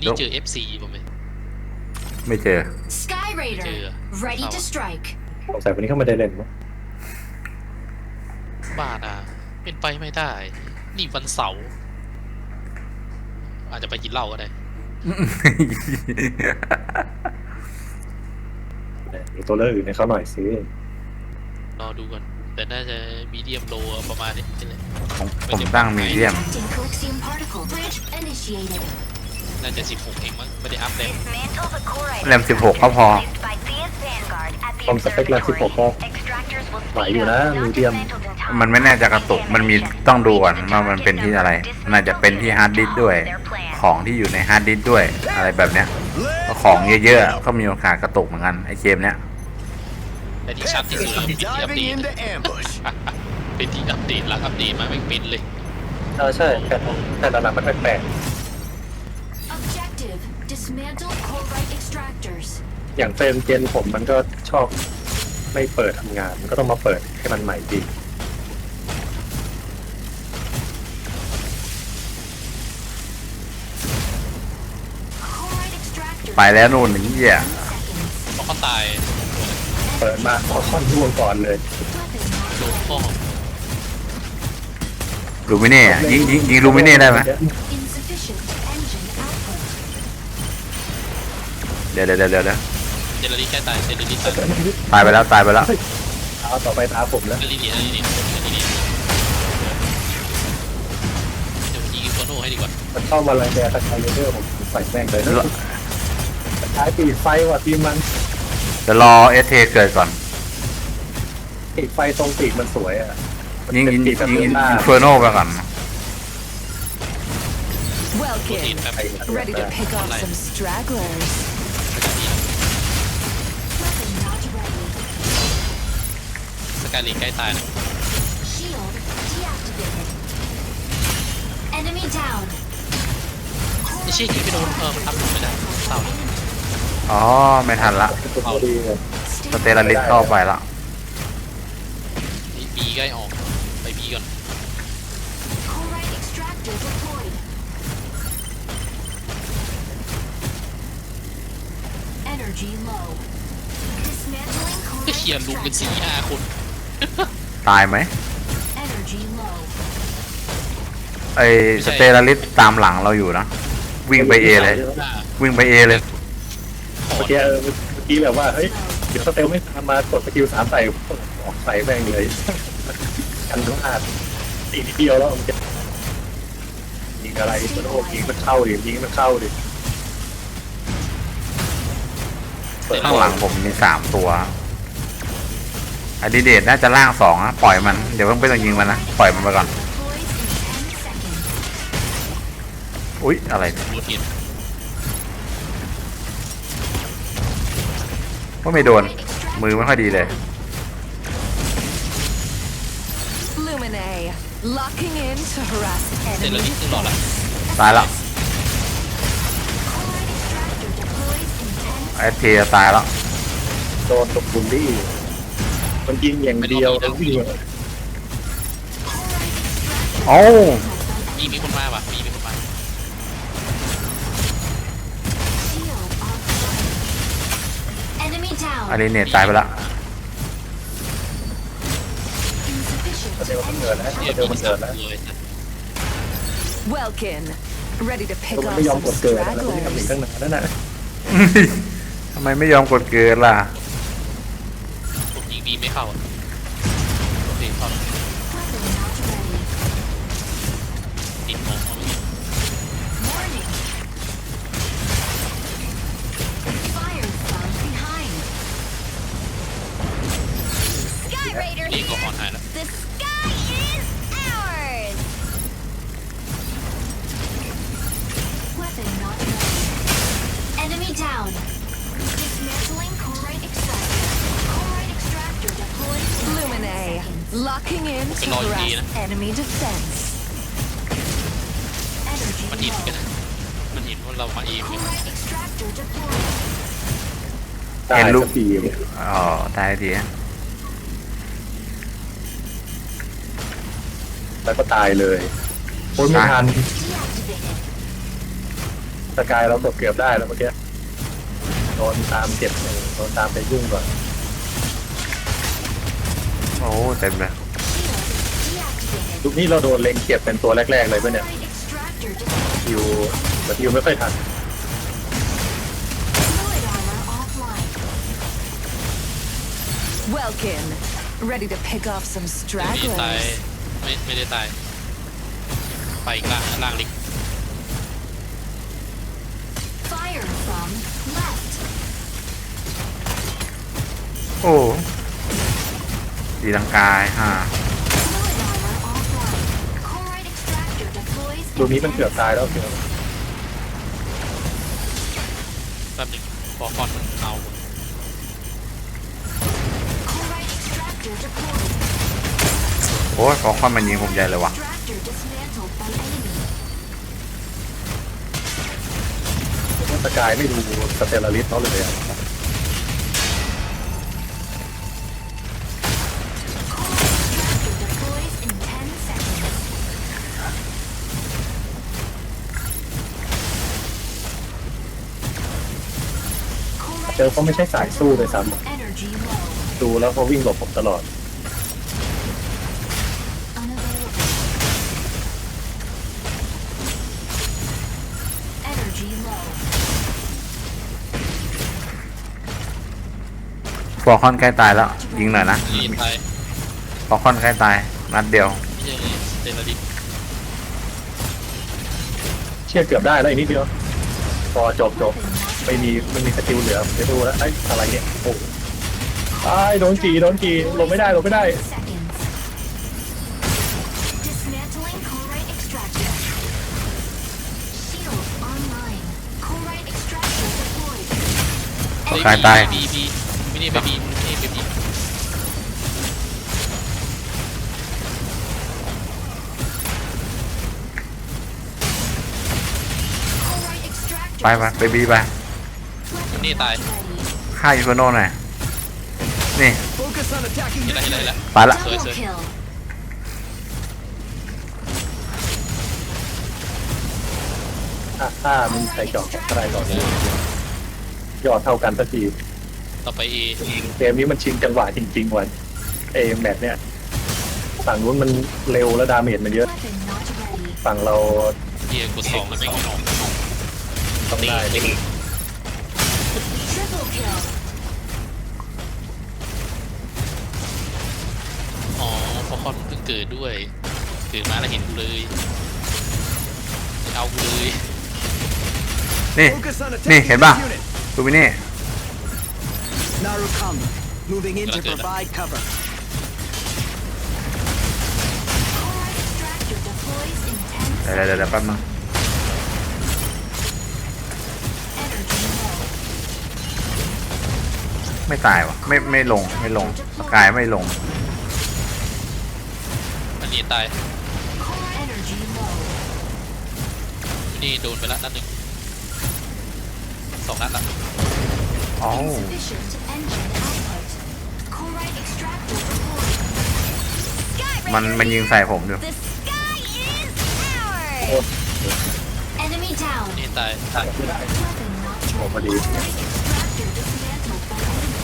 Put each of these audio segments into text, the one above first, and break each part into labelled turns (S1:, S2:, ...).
S1: นี้เจอ FC ป่ะไหม
S2: ไม่เจอ
S3: Sky Raider, ready to strike.
S4: สงสัยวันนี้เขาไม่ได้เล่นมั้ง
S1: บ้านะเป็นไปไม่ได้ นี่วันเสาร์อาจจะไปกินเหล้าก็ได้
S4: มีตัวเลือกอื่นให้เขาหน่อยสิ
S1: รอดูก่อนแต่น่าจะมีเดียมโลประมาณนี้เลย
S2: ผมตั้งมีเดียม
S3: Detecting Coaxium particle. Bridge initiated.
S1: น่าจะ16เองมั้งไม่ได้อัพเต็ม
S2: แรม16ก็พอ
S4: ความสเปคแรม16ก็ไหวอยู่นะมีเดียม
S2: มันไม่แน่จะกระตุกมันมีต้องดูก่อนว่ามันเป็นที่อะไร น่าจะเป็นที่ฮาร์ดดิสก์ด้วย ของที่อยู่ในฮาร์ดดิสก์ด้วย อะไรแบบเนี้ยของเยอะๆก็มีโอกาสกระตุกเหมือนกันไอเกมเนี้ย
S1: แต่ที่ชัดที่สุดคือเป็นที่อัปเดตเป็นที่อัปเดตหลังอัปเดตมาไม่เป็นเลย
S4: ใช่แต่หลังๆมันแปลก
S3: Objective: dismantle Corite extractors.
S4: ๆอย่างเฟรมเจนผมมันก็ชอบไม่เปิดทำงานมันก็ต้องมาเปิดให้มันใหม่ดี
S3: Corite extractors.
S2: ไปแล้วนู่นนี่เหี้ย
S1: เพราะเขาตาย
S4: เปิดมาขอค่อนร่วงก่อนเลย
S1: โดนข้อ
S2: ลูมิเน่อะยิงลูมิเน่ได้ไหม
S3: Insufficient engine output.
S2: เดี๋ยว
S1: เจลลี่ใกล้ตายเจลลี่ตาย
S2: ตายไปแล้ว
S4: เอาต่อไปตาผมแล้ว
S1: เจลลี่นี่เดี๋ยวยิงโซโน่ให้ดีกว่า
S4: มันเข้ามาลังแกตะไคร้เดอร์ผมใส่แม่งเลยนะท้ายปีกไฟว่ะทีมมัน
S2: จะรอเอสเทเกิดก่อน
S4: ปีกไฟตรงปีกมันสวยอ่ะ
S2: ยิง
S4: เป็นปีกแบบ
S2: อิ
S4: เดินหน้าน
S2: เฟอร์โนไปก่อน
S1: โปรตีน
S5: Welkin,
S1: แบบ
S5: ready to pick off some stragglers.
S3: Weapon not ready.
S1: สกายลีใกล้ตายนะ
S3: Shield deactivated. Enemy down.
S1: ไอ้เชี่ยยิงไปโดนมันอัพไม่ได้เศร้าเลย
S2: อ๋อไม่ทันละ
S4: เป็นตัวดีเลย
S2: สเตลลิสเข้าไปละ
S1: นี่บีใกล้ออกไปบีก่อน
S3: Corite extractor deployed. Energy low. Dismantling
S1: ก็เขียน
S3: Corite
S1: ลุมเป็น
S3: extractor.
S1: 4-5 คน
S2: ตายไหม
S3: Energy low.
S2: ไอสเตลลิสตามหลังเราอยู่นะวิ่งไปเอเลย วิ่งไปเอเลย
S4: เมื่อกี้แบบว่าเฮ้ยเดี๋ยวสเตลไม่ตามมากดสกิล3ใส่ออกใส่แม่งเลยกันพลาดตีนิดเดียวแล้วมันจะยิงอะไรมันโอ้ยิงมันเข้าดิยิงมันเข้าดิ
S2: ข้างหลังผมมี3 ตัวอดิเดตน่าจะล่าง2นะปล่อยมันเดี๋ยวเพิ่งไปต้องยิงมันนะปล่อยมันไปก่อน
S3: Deploys in 10 seconds.
S2: อุ๊ยอะไรเนี่ย
S1: โดนหิน
S2: ว่าไม่โดนมือไม่ค่อยดีเลย
S5: Lumine, locking in to harass
S1: เจล
S5: enemy
S1: ลี่ขึ้นหลอดละ
S2: ตายละ
S3: Corite extractor deploys in 10
S2: เอสเทตายแล้ว
S4: โดนตบบุลลี่มันยิงอย่างเดียวแล้ววิ่ง
S2: โอ้
S1: มีคนมาป่ะมีคนมา
S3: shield offline. Enemy down.
S2: อดิเนตตายไปละ
S3: Insufficient
S4: สเตลมันเกิดแล้ว
S1: เนี่ย
S4: สเตลมันเกิดแล้ว
S1: เลย
S5: Welkin, ready to pick
S4: มัน
S5: off
S4: ไม่ยอม
S5: some
S4: กดเกิดแล้วมันทำอีก
S5: stragglers.
S4: ตั้งนานแล้วนะ
S2: ทำไมไม่ยอมกดเกินล่ะ
S1: ผมยิงบีไม่เข้าอ่ะโอเคเข้าแล้ว
S3: weapon not ready.
S1: ติดของเขาไม่ยิง
S3: Warning. Fire from behind. Sky Raider
S1: นี่ก็ออนหายแล้ว
S3: The sky is ours. Weapon not ready. Enemy down. Dismantling Corite extractor. Corite extractor deployed in 10
S5: Lumine,
S3: seconds.
S5: locking in to
S1: Cái lòi gì
S5: harass
S1: đó.
S5: enemy defense.
S3: Energy
S1: มันเห็น
S3: low.
S1: กันมันเห็นว่าเรามาเอง
S3: Corite extractor deployed.
S4: ตาย
S2: เห็นลูก
S4: สักทีเนี่ย
S2: อ๋อตายที
S4: แล้วก็ตายเลยโอ้ยไม่ทัน
S3: Deactivated.
S4: สกายเราตกเกือบได้แล้วเมื่อกี้โดนตามเก็บโดนตามไปยุ่งก่อน
S2: โอ้เต็มเลย
S3: Deactivated.
S4: ลูกนี้เราโดนเล็งเก็บเป็นตัวแรกๆเลยปะเนี่ย
S3: Corrite extractor deployed.
S4: ยูแต่ยูไม่ค่อยทัน
S3: Fluid armor offline.
S5: Welkin, ready to pick off some
S1: เดี๋ยวนี้ตาย
S5: stragglers.
S1: ไม่ได้ตายไปอีกล่างลิก
S3: Fire from left.
S2: โอ้ตีลังกาย
S3: Fluid
S2: ฮ่า
S3: armor offline. Corrite extractor deploys.
S4: ลูกนี้มันเกือบตายแล้วเกือบ
S1: แป๊บหนึงพอคอนมันเอา
S3: Corrite extractor deployed.
S2: โอ้ยขอความมันยิงผมใหญ่เลยว่ะ
S3: Extractor dismantled by enemy.
S4: สกายไม่ดูสเตลลาริสเขาเลยอะ
S3: Corrite extractor deploys in 10 seconds.
S4: เจอเขาไม่ใช่สายสู้เลยซ้
S3: Energy low.
S4: ำดูแล้วเขาวิ่งหลบผมตลอด
S3: Unavailable. Energy low.
S2: ฟอร์คอนใกล้ตายแล้ว ยิงหน่อยนะ
S1: ลีตาย
S2: ฟอร์คอนใกล้ตายนัดเดียว
S1: ไม่ใช่เลยสเตลลาริส
S4: เชื่อเกือบได้แล้วอีกนิดเดียวพอจบไม่มีสกิลเหลือไปดูแล้วไอ้อะไรเนี่ยโอ้ตายโดนจีลงไม่ได้
S3: Seconds. Dismantling Corrite extractor. Shields online. Corrite extractor deployed.
S2: ตายตาย
S1: บีไม่ได้ไปบีไม่ได้ไปบี
S3: Corrite extractor.
S2: ไปบีไป
S1: นี่ตาย
S3: Ready.
S2: ฆ่ายูโคโน่หน่อยนี่
S1: เห็นแล้ว
S2: ไปละ
S3: Double
S1: Sorry.
S3: kill.
S4: ถ้ามันใส่จอกอะไรก่อนยอดเท่ากันสักที
S1: ต่อไปเอ
S4: เกมนี้มันชิงจังหวะจริงๆวันแมตช์เนี่ยฝั่งนู้นมันเร็วและดาเมจมันเยอะ
S3: Weapon not ready.
S4: ฝั่งเรา
S1: เอกด2แล้วไม่งออก
S4: ต้องได้
S3: Triple kill.
S1: อ๋อพอคอนเพิ่งเกิดด้วยเกิดมาแล้วเห็นกูเลยเอากูเลย
S2: นี่เห็นป่ะดูมินี่
S6: Narukam, moving in to provide cover.
S3: Corrite extractor deploys in 10
S2: เดี๋ยวแป๊บนึง
S3: Energy low.
S2: ไม่ตายวะไม่ลงสกายไม่ลง
S1: อันนี้ตาย
S3: Core energy low.
S1: นี่โดนไปละนัดหนึ่ง2 นัดละ
S2: อ๋อ
S3: Insufficient engine output. Corrite extractor deployed.
S2: มันยิงใส่ผมอยู่
S3: The sky is ours. Enemy down.
S1: นี่ตาย
S4: ไม่ได้
S3: Weapon not
S4: โอ้พอดี
S3: Corrite extractor dismantled by enemy.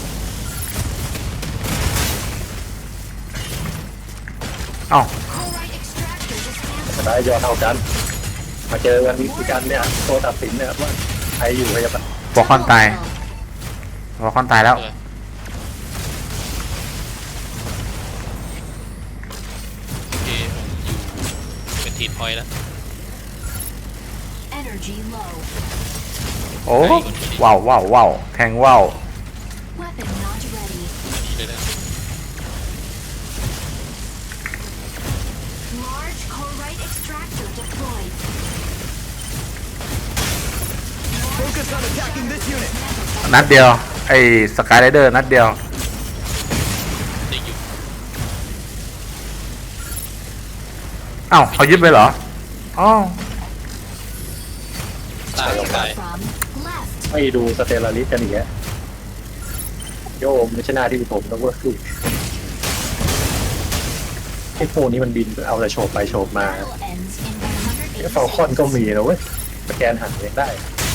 S2: เอ้า
S3: Corrite extractor dismantled.
S4: จะได้ยอดเท่ากัน มาเจอกันอีกกันเนี่ยตัวตัดสินเนี่ยว่าใครอยู่ใครจะไป
S2: ฟอร์คอนตายฟอร์คอนตายแล้ว
S1: เออโอเคผมอยู่เป็นทีมพอยต์แล้ว
S3: Energy low.
S2: โอ้ว้าวแทงว้าว
S3: Weapon not ready.
S1: นี่เลยนะ
S3: Large Corrite extractor deployed.
S6: Focus on attacking this unit.
S2: นัดเดียวไอ้สกายไรเดอร์นัดเดียว
S1: เด็กอยู่
S2: เอ้าเขายึดไปเหรออ๋อ
S1: ตายตาย
S3: From left.
S4: ไม่ดูสเตลลาริสกันอีกแล้วโยมไม่ใช่หน้าที่ผมนะเว้ยไอ้พวกนี้มันบินเอาแต่โฉบไปโฉบมา
S3: Battle ends in
S4: ไอ้ฟอลคอนก็มีนะเว้ย
S3: 180
S4: สแกนหันเองได้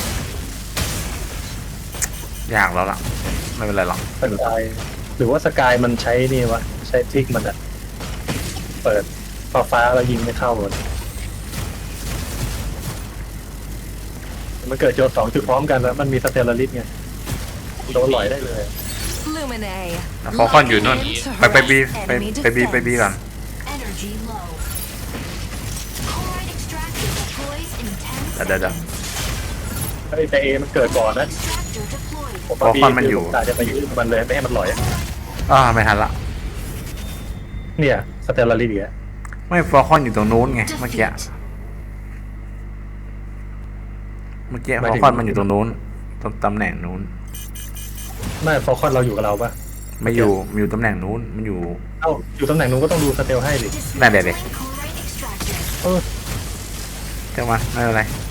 S2: ยากแล้วล่ะ ไม่เป็นไรหรอก
S4: สกายหรือว่าสกายมันใช้นี่วะใช้ทริกมันอะเปิดฟ้าแล้วยิงไม่เข้าเลยมันเกิดโจทย์2 จุดพร้อมกันแล้วมันมีสเตลลาริสไงโดนหลอยได้เลย
S5: Lumine.
S2: แล้วเขาค่อนอยู่นู่นไปบีไปบีก่อน
S3: Energy low. Chloride extractor deploys in 10
S2: เดี๋ยว
S3: seconds.
S4: เฮ้ยแต่เอมันเกิดก่อนนะ
S3: Extractor deployed.
S4: ผม
S2: เพราะควันมันอยู่
S4: ตาจะไปยืดมันเลยไม่ให้มันหลอย
S2: ไม่ทันละ
S4: เนี่ยสเตลลาริสอีกแล้ว
S2: ไม่ฟอร์คอนอยู่ตรงนู้นไงเมื่อกี้
S3: Defeat.
S2: ฟอร์คอนมันอยู่ตรงนู้นตรงตำแหน่งนู้น
S4: ไม่ฟอลคอนเราอยู่กับเราปะ
S2: ไม่อยู่ตำแหน่งนู้นมันอยู่
S4: เอ้าอยู่ตำแหน่งนู้นก็ต้องดูสเตลให้ดิ
S2: ได้เดี๋ยว
S3: Chloride extractor.
S4: เออ
S2: เจ้ามาไม่เป็นไร
S3: Chloride